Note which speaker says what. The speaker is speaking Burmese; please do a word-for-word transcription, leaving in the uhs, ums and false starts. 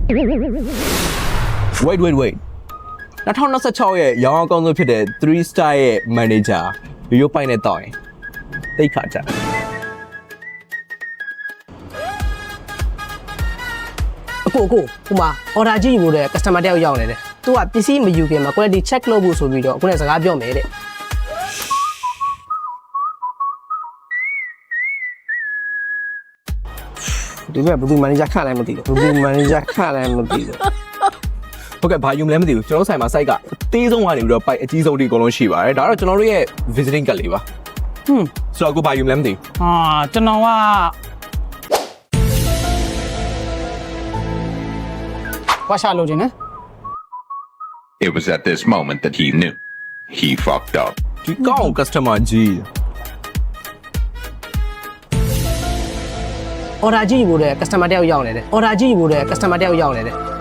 Speaker 1: wait wait wait ၂၀၂၆ရဲ့ရောင်းအကောင်းဆုံးဖြစ်တဲ့three star ရဲ့ manager ရိုးရိုးပိုင်နဲ့တောင်းရင်တိတ်ခါကြ
Speaker 2: အကိုအကိုဟိုမှာ order ကြီးယူလို့တဲ့ customer တယောက်ရောက်နေတယ်သူကပစ္စည်းမယူခင်မှာ quality check လုပ်ဖို့ဆိုပြီးတော့အခုလည်းစကားပြောမယ်တဲ့ဒီကဘယ်သူ manager ခန့်လည်းမသိဘူးဘယ်သူ manager ခန့်လည်းမသိဘူး
Speaker 1: ဟုတ်ကဲ့ဘာယူမလဲမသိဘူးကျွန်တော်ဆိုင်မှာ site ကအသေးဆုံးကနေပြီးတော့ပိုက်အကြီးဆုံးဒီအကုန်လုံးရှိပါတယ်ဒါတော့ကျွန်တော်တို့ရဲ့ visiting card လေးပါ
Speaker 2: ဟွန်း
Speaker 1: ဆိုတော့ကိုဘာယူမလဲမသိဘူး
Speaker 2: ဟာကျွန်တော်ကဝါရှာလို့ခြင်းနဲ့
Speaker 3: It was at this moment that he knew he fucked up.
Speaker 1: ဒီကောင်း customer ကြီး
Speaker 2: order ကြီးယူလို့တဲ့ customer တယောက်ရောက်နေတယ် order ကြီးယူလို့တဲ့ customer တယောက်ရောက်နေတယ်